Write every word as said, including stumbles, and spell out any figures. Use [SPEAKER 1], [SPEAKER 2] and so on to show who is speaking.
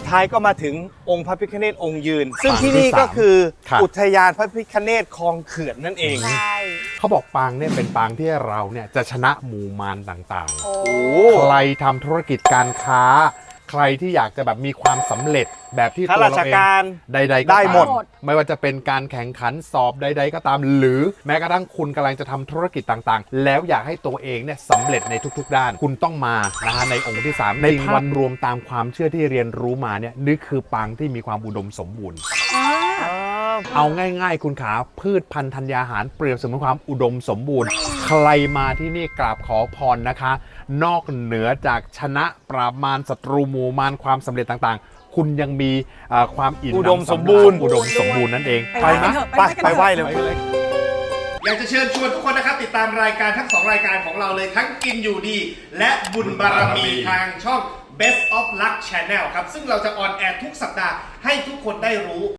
[SPEAKER 1] ท้ายก็มาถึงองค์พระพิฆเนศองค์ยืน ซึ่งที่นี่ก็คืออุทยานพระพิฆเนศคลองเขื่อนนั่นเอง
[SPEAKER 2] ใช่
[SPEAKER 3] เขาบอกปางเนี่ยเป็นปางที่เราเนี่ยจะชนะหมู่มารต่าง
[SPEAKER 2] โอ้
[SPEAKER 3] ๆ ใครทำธุรกิจการค้า ใครที่อยากจะแบบมีความสำเร็จแบบที่
[SPEAKER 1] ข้า
[SPEAKER 3] ตัว
[SPEAKER 1] รา
[SPEAKER 3] เรา
[SPEAKER 1] ช
[SPEAKER 3] เอง
[SPEAKER 1] การ
[SPEAKER 3] ใดๆก็
[SPEAKER 1] ได้
[SPEAKER 3] ตาม
[SPEAKER 1] หมด
[SPEAKER 3] ไม่ว่าจะเป็นการแข่งขันสอบใด ๆ ก็ตาม หรือแม้กระทั่งคุณกำลังจะทำธุรกิจต่างๆ แล้วอยากให้ตัวเองเนี่ยสำเร็จในทุกๆ ด้าน คุณต้องมานะฮะในองค์ที่สามในภาพรวมตามความเชื่อที่เรียนรู้มาเนี่ยนี่คือปางที่มีความอุดมสมบูรณ์
[SPEAKER 2] อ่า
[SPEAKER 3] เอาง่ายๆ คุณขาพืชพันธุ์ธัญญาหารเปรียบเสมือนความอุดมสมบูรณ์ ใครมาที่นี่กราบขอพรนะคะ นอกเหนือจากชนะปราบมารศัตรูหมู่มารความสำเร็จต่างๆ คุณยังมีเอ่อความอิ่ม
[SPEAKER 1] อุดม
[SPEAKER 3] หนำ
[SPEAKER 1] สมบูรณ์
[SPEAKER 3] อุดมสมบูรณ์นั่นเอง
[SPEAKER 2] ไปไหม
[SPEAKER 1] ไปไปไหว้เลย
[SPEAKER 4] อยากจะเชิญชวนทุกคนนะครับติดตามรายการทั้งสองรายการของเราเลยทั้งกินอยู่ดี และบุญบารมีทางช่อง Best of Luck Channel ครับซึ่งเราจะออนแอร์ทุกสัปดาห์ให้ทุกคนได้รู้